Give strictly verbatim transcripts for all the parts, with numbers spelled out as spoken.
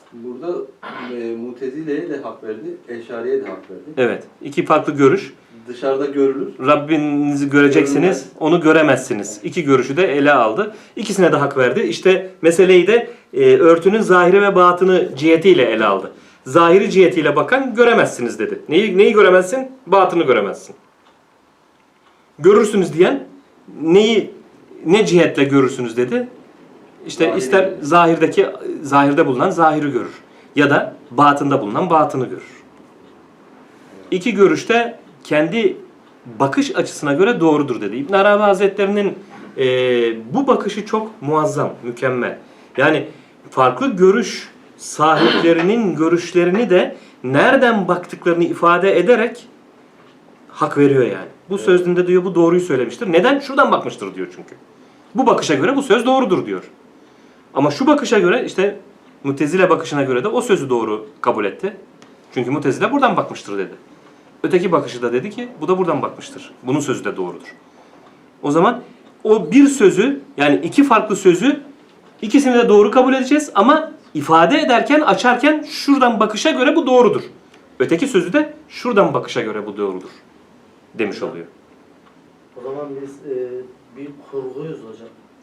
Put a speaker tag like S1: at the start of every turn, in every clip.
S1: Burada e, Mutezile'ye de hak verdi, Eşari'ye de hak verdi.
S2: Evet. İki farklı görüş.
S1: Dışarıda görülür.
S2: Rabbinizi göreceksiniz,
S1: Görünmez.
S2: onu göremezsiniz. İki görüşü de ele aldı. İkisine de hak verdi. İşte meseleyi de e, örtünün zahiri ve batını cihetiyle ele aldı. Zahiri cihetiyle bakan göremezsiniz dedi. Neyi, neyi göremezsin? Batını göremezsin. Görürsünüz diyen neyi, ne cihetle görürsünüz dedi. İşte
S1: Zahiri
S2: ister
S1: görür.
S2: zahirdeki, zahirde bulunan zahiri görür. Ya da batında bulunan batını görür. İki görüşte kendi bakış açısına göre doğrudur dedi. İbn Arabi Hazretleri'nin e, bu bakışı çok muazzam, mükemmel. Yani farklı görüş sahiplerinin görüşlerini de nereden baktıklarını ifade ederek hak veriyor yani. Bu
S1: Evet.
S2: sözünde diyor bu doğruyu söylemiştir. Neden? Şuradan bakmıştır diyor çünkü. Bu bakışa göre bu söz doğrudur diyor. Ama şu bakışa göre işte Mutezile bakışına göre de o sözü doğru kabul etti. Çünkü Mutezile buradan bakmıştır dedi. Öteki bakışı da dedi ki bu da buradan bakmıştır. Bunun sözü de doğrudur. O zaman o bir sözü yani iki farklı sözü ikisini de doğru kabul edeceğiz ama ifade ederken açarken şuradan bakışa göre bu doğrudur. Öteki sözü de şuradan bakışa göre bu doğrudur demiş oluyor.
S3: O zaman biz e, bir kurguyuz hocam.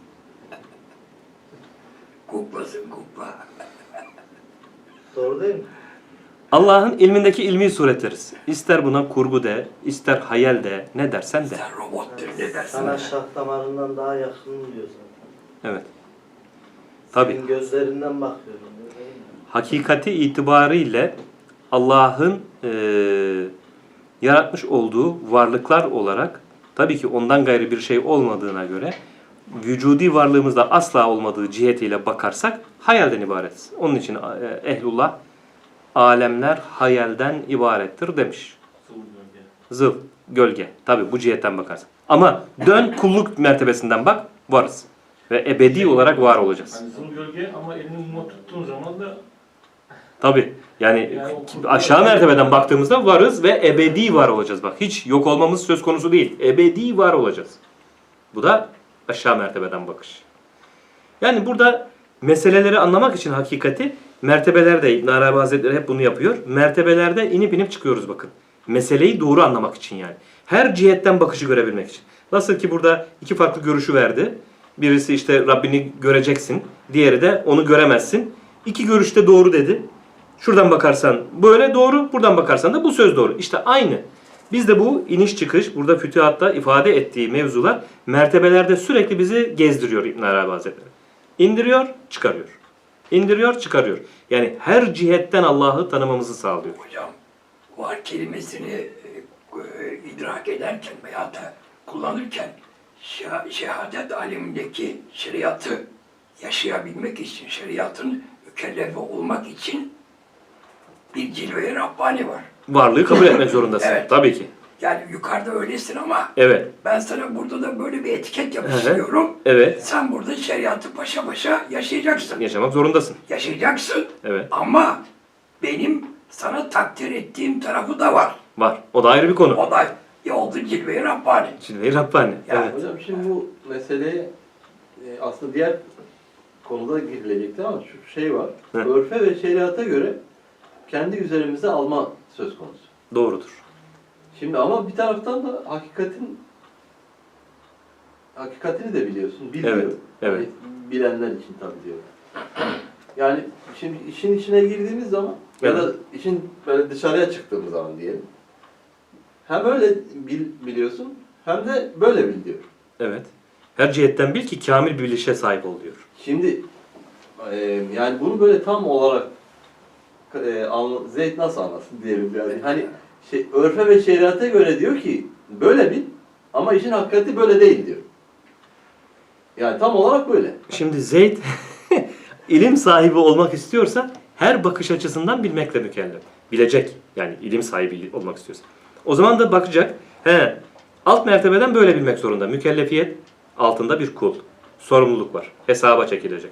S4: Kuklasın kukla.
S3: Doğru değil mi?
S2: Allah'ın ilmindeki ilmi suretleriz. İster buna kurgu de, ister hayal de, ne dersen de.
S4: Sen robottur ne dersin?
S3: Sana şah damarından daha yakın diyor zaten.
S2: Evet. Tabii.
S3: Senin gözlerinden bakıyorum. Değil mi?
S2: Hakikati itibariyle Allah'ın e, yaratmış olduğu varlıklar olarak tabii ki ondan gayrı bir şey olmadığına göre vücudi varlığımızda asla olmadığı cihetiyle bakarsak hayalden ibaretiz. Onun için e, ehlullah alemler hayalden ibarettir demiş. Zıl, gölge. Tabii bu cihetten bakarsın. Ama dön kulluk mertebesinden bak, varız. Ve ebedi olarak var olacağız.
S5: Hani zıl gölge ama elini muma tuttuğun zaman da
S2: Tabii. Yani
S5: Yani o-
S2: aşağı mertebeden baktığımızda varız ve ebedi var olacağız. Bak hiç yok olmamız söz konusu değil. Ebedi var olacağız. Bu da aşağı mertebeden bakış. Yani burada meseleleri anlamak için hakikati mertebelerde İbn Arabi Hazretleri hep bunu yapıyor. Mertebelerde inip inip çıkıyoruz bakın. Meseleyi doğru anlamak için yani. Her cihetten bakışı görebilmek için. Nasıl ki burada iki farklı görüşü verdi. Birisi işte Rabbini göreceksin. Diğeri de onu göremezsin. İki görüşte doğru dedi. Şuradan bakarsan böyle doğru, buradan bakarsan da bu söz doğru. İşte aynı. Biz de bu iniş çıkış, burada fütühatta ifade ettiği mevzular mertebelerde sürekli bizi gezdiriyor İbn Arabi Hazretleri. İndiriyor, çıkarıyor. İndiriyor, çıkarıyor. Yani her cihetten Allah'ı tanımamızı sağlıyor.
S4: Hocam var kelimesini e, e, idrak ederken veya da kullanırken şah- şehadet alemindeki şeriatı yaşayabilmek için, şeriatın mükellefi olmak için bir cilve-i Rabbani var.
S2: Varlığı kabul etmek zorundasın.
S4: Evet.
S2: Tabii ki.
S4: Yani yukarıda öylesin ama
S2: Evet.
S4: ben sana burada da böyle bir etiket yapıştırıyorum.
S2: Evet.
S4: Sen burada şeriatı paşa paşa yaşayacaksın.
S2: Yaşamak zorundasın.
S4: Yaşayacaksın.
S2: Evet.
S4: Ama benim sana takdir ettiğim tarafı da var.
S2: Var. O da ayrı bir konu.
S4: O da oldu cilve-i Rabbani.
S2: Cilve-i Rabbani.
S4: Ya,
S2: Evet.
S1: Hocam şimdi bu meseleye e, aslında diğer konuda girilecekti ama şu şey var.
S2: Hı.
S1: Örfe ve şeriata göre kendi üzerimize alma söz konusu.
S2: Doğrudur.
S1: Şimdi ama bir taraftan da hakikatin hakikatini de biliyorsun, bilmiyor.
S2: Evet, evet.
S1: Hani bilenler için tabii diyorum. Yani şimdi işin içine girdiğimiz zaman ya da işin böyle dışarıya çıktığımız zaman diyelim. Hem öyle bil, biliyorsun hem de böyle bil diyor.
S2: Evet. Her cihetten bil ki kamil bir bilişe sahip ol diyor.
S1: Şimdi e, yani bunu böyle tam olarak e, anla, Zeyd nasıl anlasın diyelim yani. Hani şey, örfe ve şeriata göre diyor ki böyle bil ama işin hakikati böyle değil diyor. Yani tam olarak böyle.
S2: Şimdi Zeyd ilim sahibi olmak istiyorsa her bakış açısından bilmekle mükellef. Bilecek. Yani ilim sahibi olmak istiyorsa. O zaman da bakacak. He, alt mertebeden böyle bilmek zorunda. Mükellefiyet altında bir kul. Sorumluluk var. Hesaba çekilecek.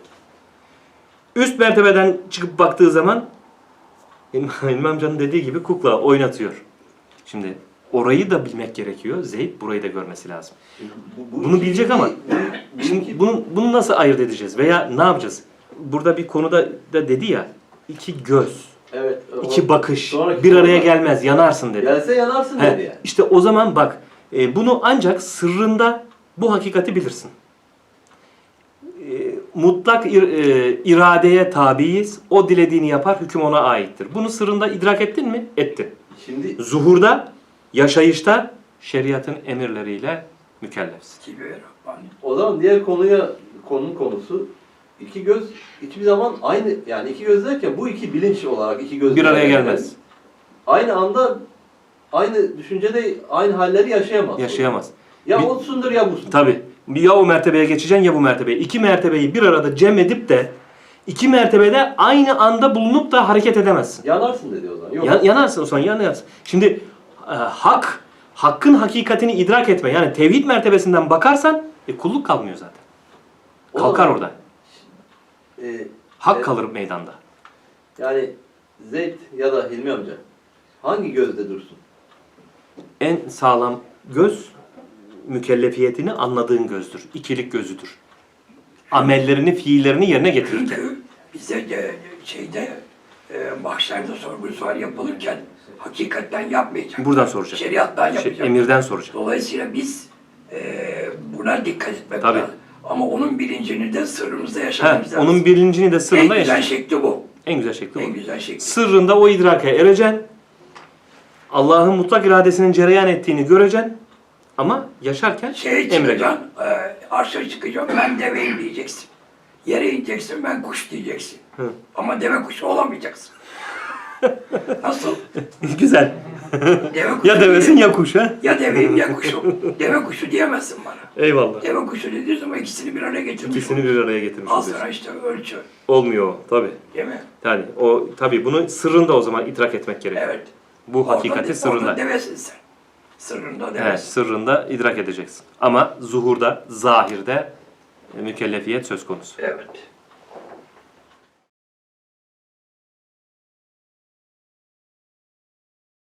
S2: Üst mertebeden çıkıp baktığı zaman İlmi amcanın dediği gibi kukla oynatıyor. Şimdi orayı da bilmek gerekiyor. Zeyd burayı da görmesi lazım.
S1: Bu, bu
S2: Bunu
S1: iki-
S2: bilecek ama
S1: bu-
S2: şimdi bunu, bunu nasıl ayırt edeceğiz veya ne yapacağız? Burada bir konuda da dedi ya iki göz,
S1: Evet. o-
S2: iki bakış
S1: sonraki
S2: bir araya
S1: soruda-
S2: gelmez, yanarsın dedi.
S1: Gelse yanarsın
S2: He,
S1: dedi yani.
S2: işte o zaman bak, e, bunu ancak sırrında bu hakikati bilirsin. E, mutlak ir- e, iradeye tabiiz. O dilediğini yapar, hüküm ona aittir. Bunu sırrında idrak ettin mi? Ettin.
S1: Şimdi
S2: Zuhurda, yaşayışta şeriatın emirleriyle mükellefsin.
S4: Gibi Rabbani.
S1: o zaman diğer konuya, konunun konusu iki göz hiçbir zaman aynı, yani iki göz derken bu iki bilinç olarak iki göz
S2: Bir araya
S1: araya
S2: gelmez.
S1: Aynı anda aynı düşüncede aynı halleri yaşayamaz.
S2: Yaşayamaz.
S1: Ya
S2: Bir-
S1: osundur ya busun.
S2: Tabii. Ya o mertebeye geçeceksin ya bu mertebeye. İki mertebeyi bir arada cem edip de iki mertebede aynı anda bulunup da hareket edemezsin.
S1: Yanarsın dedi o zaman. Yok.
S2: Ya- yanarsın o zaman, yanarsın. Şimdi e, hak, hakkın hakikatini idrak etme. Yani tevhid mertebesinden bakarsan e, kulluk kalmıyor zaten.
S1: O
S2: Kalkar
S1: zaman-
S2: orada.
S1: Ee,
S2: Hak
S1: e,
S2: kalır meydanda.
S1: Yani Zeyd ya da Hilmi amca hangi gözde dursun?
S2: En sağlam göz mükellefiyetini anladığın gözdür. İkilik gözüdür. Amellerini, fiillerini yerine getirirken.
S4: Çünkü bize de şeyde e, mahşerde sorgu sual yapılırken hakikatten yapmayacak.
S2: Buradan soracak.
S4: Şeriattan
S2: Şey,
S4: yapacak.
S2: emirden soracak.
S4: Dolayısıyla biz e, buna dikkat etmek
S2: Tabii.
S4: lazım. Ama onun bilincini de sırrımızda
S2: Ha,
S4: yaşamamız lazım.
S2: onun bilincini de
S4: en
S2: sırrında
S4: güzel
S2: yaşa.
S4: şekli bu.
S2: En güzel şekli
S4: En
S2: bu.
S4: güzel şekli.
S2: Sırrında o idrake ereceksin. Allah'ın mutlak iradesinin cereyan ettiğini göreceksin. Ama yaşarken
S4: Şeye
S2: emredeceksin.
S4: çıkacaksın, e, arşa çıkacaksın, ben deveyim diyeceksin. Yere ineceksin, ben kuş diyeceksin.
S2: Hı.
S4: Ama deve kuşu olamayacaksın. Nasıl?
S2: Güzel.
S4: Deve kuşu
S2: Ya devesin ya kuş ha.
S4: Ya deveyim ya kuşum. Deve kuşu diyemezsin bana.
S2: Eyvallah.
S4: Deve kuşu dediği zaman ikisini bir araya getirmiş.
S2: İkisini bir araya getirmiş
S4: Al
S2: oluyorsun.
S4: sana işte ölçü.
S2: Olmuyor o tabii.
S4: Değil mi?
S2: Yani o tabii bunu sırrında o zaman idrak etmek gerekiyor.
S4: Evet.
S2: Bu hakikati
S4: Orada-
S2: sırrında.
S4: Orada devesin sen. Sırrında
S2: Evet,
S4: devesin.
S2: sırrında idrak edeceksin. Ama zuhurda, zahirde e, mükellefiyet söz konusu.
S4: Evet.